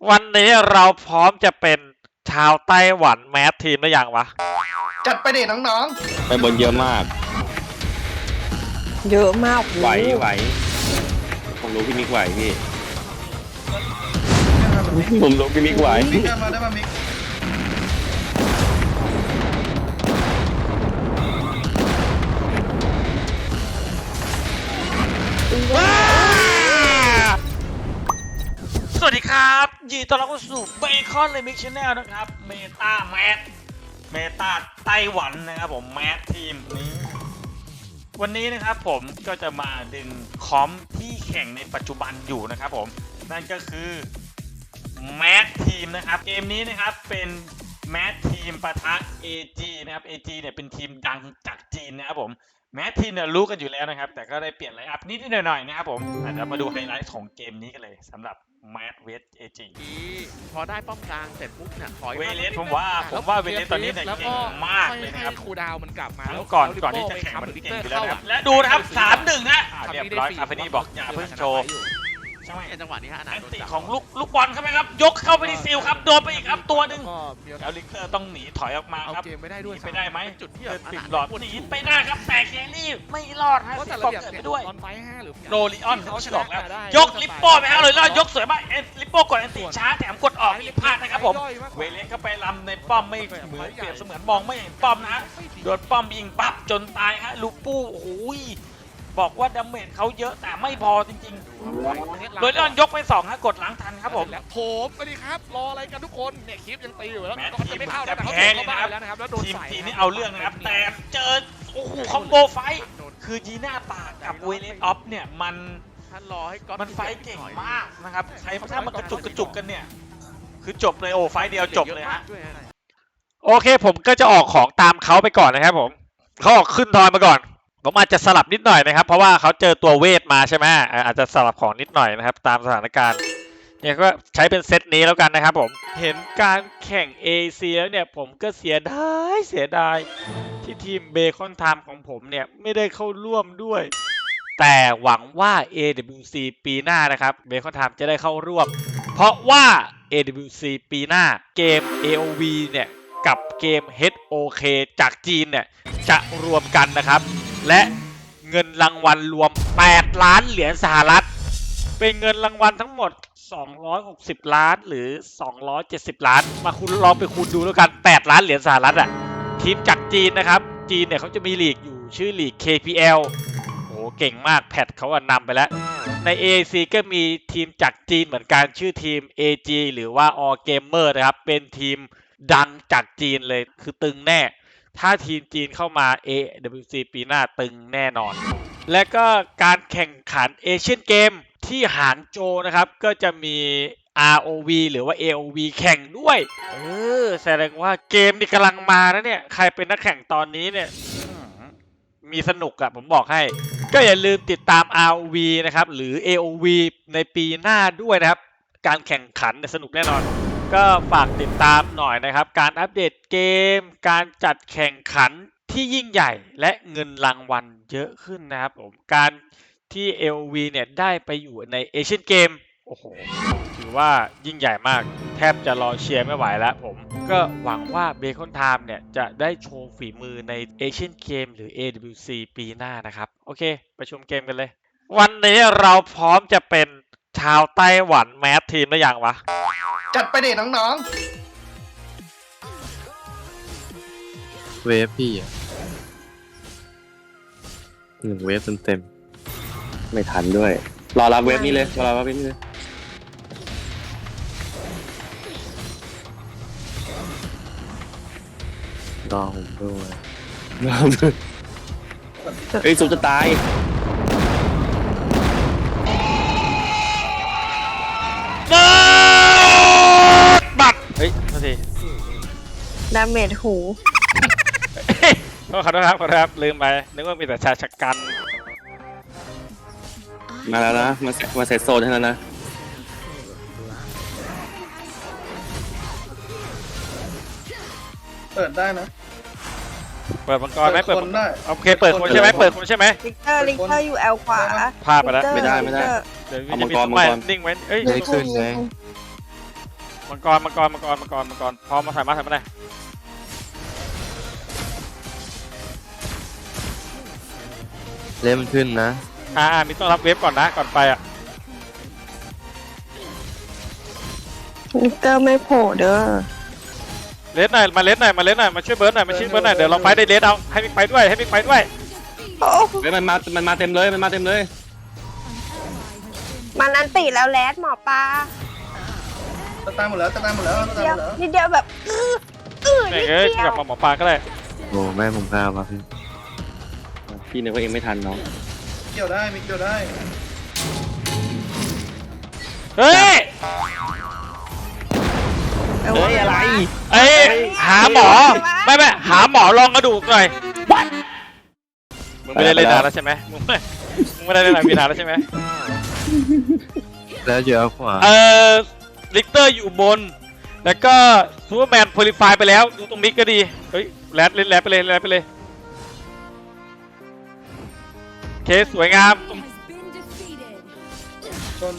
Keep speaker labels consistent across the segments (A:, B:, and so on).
A: วันนี้เราพร้อมจะเป็นชาวไต้หวันแมสทีมหรือยังวะ
B: จัดไปเด็กน้อง
C: ไปบนเยอะมาก
D: เยอะมาก
C: ไหวผมรู้พี่มิกไหวพี่
B: ๆ
C: ผมรู้พี่มิกไหว
B: มิกได้มามิก
A: สวัสดีครับยินดีต้อนรับเข้าสู่เบคอนเลยมิกชแนลนะครับเมตาไต้หวันนะครับผมแมสทีมนี้วันนี้นะครับผมก็จะมาดึงคอมที่แข่งในปัจจุบันอยู่นะครับผมนั่นก็คือแมสทีมนะครับเกมนี้นะครับเป็นแมสทีมปะทะ AG นะครับ AG เนี่ยเป็นทีมดังจากจีนนะครับผมแมสทีมเนี่ยรู้กันอยู่แล้วนะครับแต่ก็ได้เปลี่ยนไลน์อัพนิดหน่อยนะครับผมเดี๋ยวมาดูไฮไลท์ของเกมนี้กันเลยสำหรับแมสเวส AG
E: พอได้ป้อมกลางเสร็จปุ๊บเนี่ยถอย
A: เวเลสผมว่าเวเลสตอนนี้เนี่ยเก่งมากเลยนะครับ
E: คูดาวมันกลับมา
A: ทั้งก่อนที่จะแข่งมันเก่งอยู่แล้วนะครับและดูนะครับ 3-1 นะเรียบร้อยคาเฟนี่บอกอย่าเพิ่งโชว์ใช่ไหม
E: จังหวะนี้ฮะ
A: แอนติของลูกบอลเข้าไปครับยกเข้าไปที่ซิลครับโดนไปอีกครับตัวหนึ่งแล้วลิงเกอร์ต้องหนีถอยออกมาครับ
E: เกมไม่ได้ด้วย
A: ไปได้ไหม
E: จุดที่
A: ปิดหลอดหนีไปได้ครับแต่แครี่ไม่รอดฮะ
E: ก็
A: สิ
E: แต่
A: บ
E: ระ
A: ก
E: เบียบ
A: เกิด
E: เนี่ย
A: ไปด้วย
E: ตอนไฟ5หรือ
A: โรลิออนเขาฉลองแล้วยกลิปโป้ไปฮะเลยแล้วยกสวยมากลิปโป้กดแอนติช้าแถมกดออกอีกพลาดนะครับผมเวเลสเข้าไปลำในป้อมไม่เหมือนเปรียบเสมือนมองไม่เห็นป้อมนะฮะโดนป้อมยิงปั๊บจนตายฮะลูปูโอ้โหบอกว่าดาเมจเขาเยอะแต่ไม่พอจริงๆโดยเลื่อนยกไป2ฮะกดล้างทันครับผม
E: แล้วผมสวัสดีครับรออะไรกันทุกคนเนี่ยคลิปยังตีอยู่แล้วก็จะไม่เข้าแต่เขา
A: แพ้
E: เข้า
A: เลย
E: บ้า
A: นะ
E: นแล้วนะครับแล้วโดน
A: ทีม
E: ใส่
A: จีนนี่เอาเรื่องนะครับแต่เจอโอ้โหคอมโบไฟคือยีน่าปากกับเวเลสออฟเนี่ยมัน
E: ท่านรอให้ก๊อต
A: มันไฟเก่งมากนะครับใครถ้ามันกระจุกกันเนี่ยคือจบเลยโอ้ไฟเดียวจบเลยฮะโอเคผมก็จะออกของตามเขาไปก่อนนะครับผมเขาออกขึ้นทอยมาก่อนผมอาจจะสลับนิดหน่อยนะครับเพราะว่าเขาเจอตัวเวทมาใช่ไหมอาจจะสลับของนิดหน่อยนะครับตามสถานการณ์เนี่ยก็ใช้เป็นเซตนี้แล้วกันนะครับผมเห็นการแข่ง AC แล้วเนี่ยผมก็เสียดายที่ทีมเบคอนไทม์ของผมเนี่ยไม่ได้เข้าร่วมด้วยแต่หวังว่า AWC ปีหน้านะครับเบคอนไทม์จะได้เข้าร่วมเพราะว่า AWC ปีหน้าเกม AOV เนี่ยกับเกม HOK จากจีนเนี่ยจะรวมกันนะครับและเงินรางวัลรวม8 ล้านเหรียญสหรัฐเป็นเงินรางวัลทั้งหมด260 ล้านหรือ270 ล้านมาคุณลองไปคูณดูแล้วกัน8 ล้านเหรียญสหรัฐอ่ะทีมจากจีนนะครับจีนเนี่ยเขาจะมีลีกอยู่ชื่อลีก KPL โอ้เก่งมากแพทเขานำไปแล้วใน AAC ก็มีทีมจากจีนเหมือนกันชื่อทีม AG หรือว่า All Gamer นะครับเป็นทีมดังจากจีนเลยคือตึงแน่ถ้าทีมจีนเข้ามา AWC ปีหน้าตึงแน่นอน และก็การแข่งขันเอเชียนเกมที่หางโจวนะครับก็จะมี ROV หรือว่า AOV แข่งด้วยแสดงว่าเกมนี่กำลังมานะเนี่ยใครเป็นนักแข่งตอนนี้เนี่ยมีสนุกอะผมบอกให้ก็อย่าลืมติดตาม ROV นะครับหรือ AOV ในปีหน้าด้วยนะครับการแข่งขันสนุกแน่นอนก็ฝากติดตามหน่อยนะครับการอัปเดตเกมการจัดแข่งขันที่ยิ่งใหญ่และเงินรางวัลเยอะขึ้นนะครับผมการที่ LV เนี่ยได้ไปอยู่ในเอเชียนเกมโอ้โหถือว่ายิ่งใหญ่มากแทบจะรอเชียร์ไม่ไหวแล้วผมก็หวังว่าเบคอนไทม์เนี่ยจะได้โชว์ฝีมือในเอเชียนเกมหรือ AWC ปีหน้านะครับโอเคไปชมเกมกันเลยวันนี้เราพร้อมจะเป็นชาวไต้หวันแมสทีมหรือยังวะ
B: จัดไปเด็กน้อง
C: เวฟพี่อ่ะ1 เวฟเต็มไม่ทันด้วยรอรับเวฟนี้เลยรอผมด้วยเฮ้ยซุปจะตาย
A: บัตรเฮ้ยโทษที
D: ดาเมจหู
A: ขอโทษครับลืมไปนึกว่ามีแต่ชายชะกัน
C: มาแล้วนะมาเซตโซนให้แล้วนะ
B: ๆเปิดได้นะ
A: เปิดมังกรไหม
B: เปิดคนได้
A: โอเคเปิดคนใช่ไหมเปิดคนใช่ไหม
D: ลิกเตอร์อยู่แอลขวา
A: พลาดไปแล้ว
C: ไม่ได้
A: เดี๋ยว
C: เอามั
A: จะ
C: ง
A: มี
C: กร
A: ต้นไม้นิ่งไว้เอ้ย
C: ได้ขึ้นไง
A: มังกรพร้อมมาถ่ายมาได้
C: เล่มนขึ้นนะ
A: มีต้องรับเวฟก่อนนะก่อนไปอ่ะ
D: ลิกเตอร์ไม่โผล่เด้อ
A: เลสหน่อยมาช่วยเบิร์ดหน่อยมาช่วยเบิร์ดหน่อยเดี๋ยวเราไฟได้เลสเอาให้มิกไปด้วย
D: โอ้
C: เฮ้ยมันมาเต็มเลย
D: มันอันติแล้วแลดหมอปลา
B: จะตายหมดแล้วจะตายหมดแล้วจะตาย
D: เดี
B: ห
D: ยว
B: มดแล้ว
D: นิดเดียวแบบ
A: แม่ง
D: นิด
A: เอ้ย
D: เดีย
A: กลั
D: ว
A: บมาหมอปลาก็ได้
C: โอ้แม่ผมกล้ามาพี่นึกว่าเองไม่ทันน้อง
B: เกี่ยวได้มิกเกี่ยวได้
A: เฮ้ย
D: เฮ้ยอะไร
A: เอ้ยหาหมอไม่หาหมอลองกระดูกหน่อยมึงไม่ได้เล่นนานแล้วใช่ไหมมึงไม่ได้เล่นนานแล้วใช่ไหม
C: แล้วเยอะกว่า
A: ลิกเตอร์อยู่บนแล้วก็ซูเปอร์แมนโพลิฟายไปแล้วดูตรงมิกก็ดีเฮ้ยแรดไปเลยเคสวยงาม
B: ชน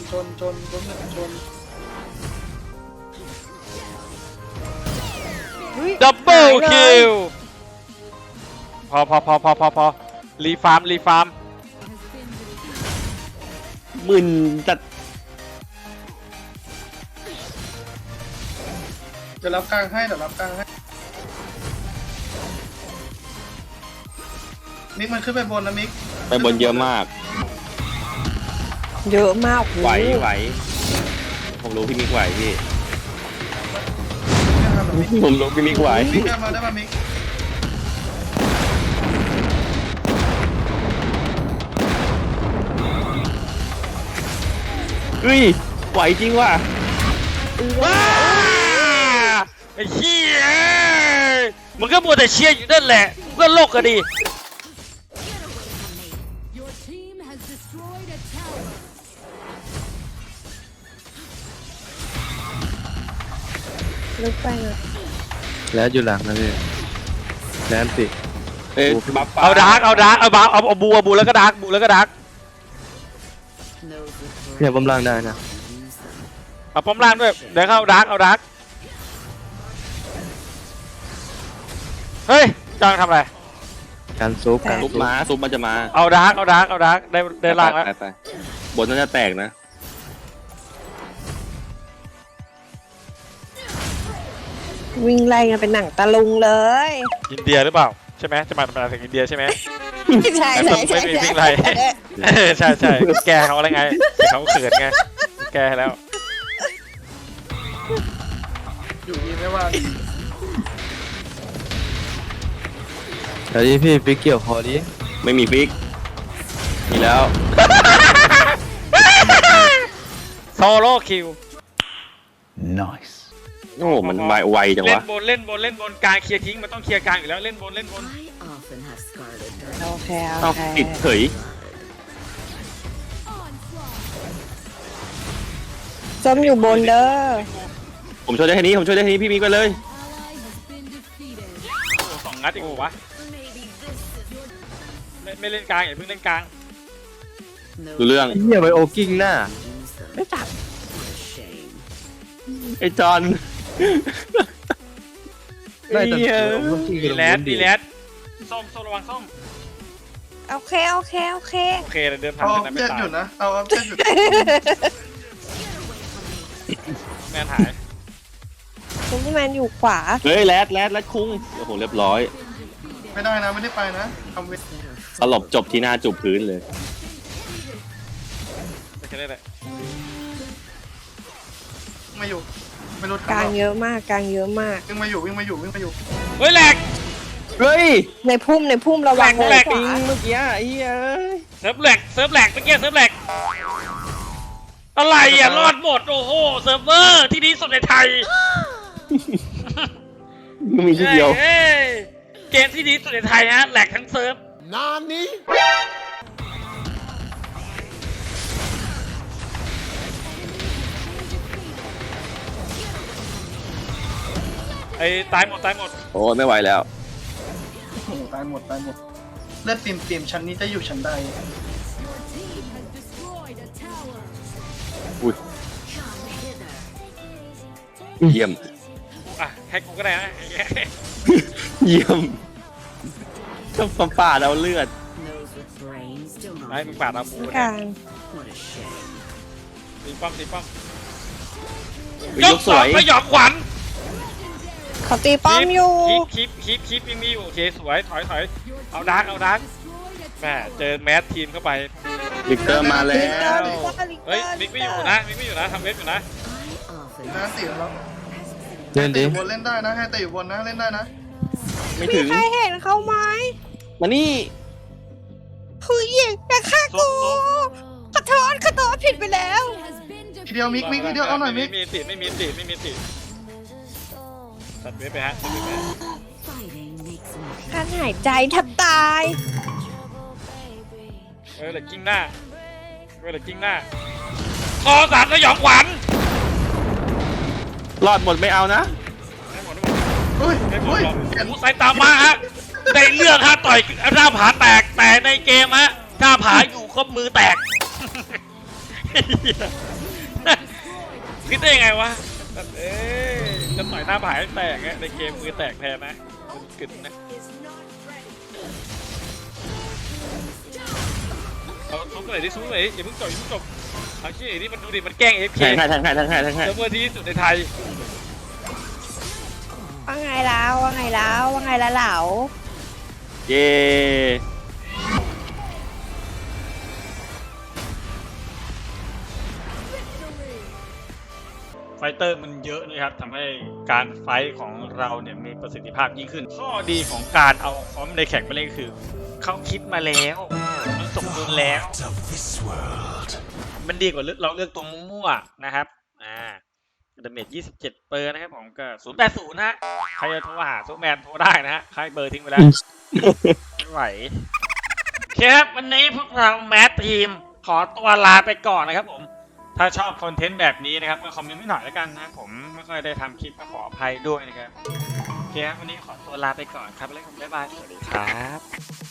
A: ดับเบิลคิวพอรีฟาร์ม
C: มึนจัด
B: เดี๋ยวรับกลางให้มิกมันขึ้นไปบนนะมิก
C: ไปบนเยอะมาก
D: เยอะมาก
C: ไหวผมรู้พี่มิกไหวพี่
B: ไม่ทำหรอกมิก
C: ผมรู้พี่มิกไหว
B: มิกได้มามิก
C: เฮ้ยไหวจริงว่ะ
A: ว้าไอ้เหี้ยมึงก็มัวแต่เชียร์อยู่นั่นแหละมึงก็โลกก็ดี
F: Your team has destroyed a tower.
D: ลึกไปนะ
C: แล้วอยู่หลังนะพี่แล้วสิบัฟ
A: เอาดาร์กเอาบูแล้วก็ดาร์ก
C: เนี่ยบำลังได้นะ
A: เอาป้อมล่างด้วยเดี๋ยวเข้าดาร์กเอาดาร์กเฮ้ยจ้างทำอะไร
C: การซุปมันจะมา
A: เอาดาร์กได้ล่างแล้ว
C: ไปบนน่าจะแตกนะ
D: วิ่งไล่กันเป็นหนังตะลุงเลย
A: อินเดียหรือเปล่าใช่ไหมจะมาถึงอินเดียใช่ไหม
D: ใช่
A: ไม่มีวิ่งไล่ ใช่แกเขาอะไรไงเขาเขินไงแกแล้ว
B: อยู่ดีไม่ว่า
C: แล้วนี่พี่ฟิกเกี่ยวคอดิไม่มีฟิกมีแล้ว
A: โซโล่คิว
C: โอ้มันไวจังวะ
A: เล่นบนกลางเคลียร์ทิ้งมันต้องเคลียร์กลางอยู่แล้วเล่นบน
F: I often have scarlet
D: โอเค
C: ต้องติดเฉย
D: ส้มอยู่บนเด้อ
C: ผมช่วยได้แค่นี้พี่มิกไปเลย
F: ally has been defeated.
A: สองนัดอีกวะ
F: Maybe this is your
A: ไม่เล่นกลางอย่าเพิ่งเล่นกลาง
C: ดูเรื่องเฮียไปโอกิ้งหน้า
D: ไม่จับ
F: shame.
C: ไอ้จอน
A: ดีแลดส้มระวังส้ม
D: โอเค
A: โอเคเดินผ่าน
B: เอา
A: กัน
B: เจ็ด
A: ไม่ตาย
B: หยุดนะเอาเจ็ดหยุด
A: แมนหาย
D: ซุปเปอร์แมนอยู่ขวา
C: เฮ้ยแรดคุ้งโอ้โหเรียบร้อย
B: ไม่ได้นะไม่ได้ไปนะทำเวท
C: สลบจบที่หน้าจุบพื้นเลย
A: ไม่ใช่ได้เลย
B: มาอยู่ไม่รู้
D: กลางเยอะมาก
B: วิ่งมาอยู่
A: เฮ้ยแหลก
C: เฮ้ย
D: ในพุ่มระวัง
A: แหลก
D: ขวา
C: เมื่อกี้ไอ้เอ้ย
A: เซิร์ฟแหลกเมื่อกี้เซิร์ฟแหลกอะไรอ่ะรอดหมดโอ้โหเซิร์ฟเวอร์ที่ดีสุดในไทย
C: มันมีทีเดียว
A: เฮ้ยเกมที่ดีสุดในไทยฮะแหลกทั้งเซิร์ฟไอ้ตายหมด
C: โอ้ยไม่ไหวแล้ว
B: ตายหมดเลือดปิ่มชั้นนี้จะอยู่ชั้นใด
F: Your team has destroyed a tower.
C: อุ้ย
F: Come hither.
C: เยี่ยม
A: อ่ะให้กูก็ได้นะ
C: เยี่ยมต้องป่าดเอาเลือด
F: Those with brains still
A: ไอ้
F: not.
A: มึงปาดเอาปูเนี่ย
D: การ
F: What a shame.
A: ตีป้อมตีป้อม
C: ยกสวย
A: ไม่หยอกขวัญ
D: เขาตีป้อมอยู่
A: คลิปยังมีอยู่โอเคสวยถอยเอาดาร์กแม่เจอแมสทีมเข้าไป
C: วิกเตอร์มาแล้
D: ลิกเตอร์
C: ว
D: ลิกเตอร์ลิกเตอร์
A: เฮ้ยมิกไม่อยู่นะทำเว็บอยู่นะ
F: I often
B: นะตีแล้ว
C: เล่น
B: ตี
C: ดิ
B: อยู่บนเล่นได้นะ ให้ตีอยู่บนนะเล่นได้นะ
C: ไม่
D: มี
C: ถึง
D: ใครเห็นเขาไหม
C: มานี่
D: ผู้หญิงจะฆ่ากูขอโทษผิดไปแล้ว
F: has been
B: ทีเดียวมิกทีเดียวเอาหน่อยมิก
A: ไม่มีติตัดเว็บไปฮะ
F: fighting makes me
D: การหายใจแทบตาย
A: เหลือกิ้งหน้าคอสามสยองขวัญ
C: รอดหมดไม่เอานะ
A: ไม่หมด
B: อุ้ย
A: ไม่หม
B: อุ้
A: ด
B: ย
A: หรอก
B: เปลี่ยน
A: หูใส่ตามมาฮะได้เรื่องฮะต่อยหน้าผาแตกแต่ในเกมฮะหน้าผาอยู่ครบมือแตก คิดได้ยังไงวะจะต่อยหน้าผาให้แตกฮะในเกมมือแตกแทนนะมันกึ่นนะเอาทุบเลยดิทุบเลยอย่าเพิ่งจบเอาขี้นี่มันดูดิมันแกล้งเอฟเค
C: แทงให้แทงให้
A: เซิร์ฟเวอร์ที่สุดในไทย
D: ว่าไงแล้วเหลา
C: เย้
A: ไฟเตอร์มันเยอะนะครับทำให้การไฟท์ของเราเนี่ยมีประสิทธิภาพยิ่งขึ้น ข้อดีของการเอาคอมในแข่งไปเล่นคือ เขาคิดมาแล้วมันสมดุลแล้ว มันดีกว่าเราเลือกตัวมั่วๆนะครับดาเมจ27เปอร์นะครับผมก็080ฮะใครจะโทรหาซูแมนโทรได้นะฮะใครเบอร์ทิ้งไปแล้ว ไม่ไหวโอเคครับวันนี้พวกเราแมททีมขอตัวลาไปก่อนนะครับผมถ้าชอบคอนเทนต์แบบนี้นะครับก็คอมเมนต์ไม่หน่อยแล้วกันนะผมไม่ค่อยได้ทำคลิปก็ขออภัยด้วยนะครับโอเคครับวันนี้ขอตัวลาไปก่อนครับแล้วกันบ๊ายบายสวัสดีครับ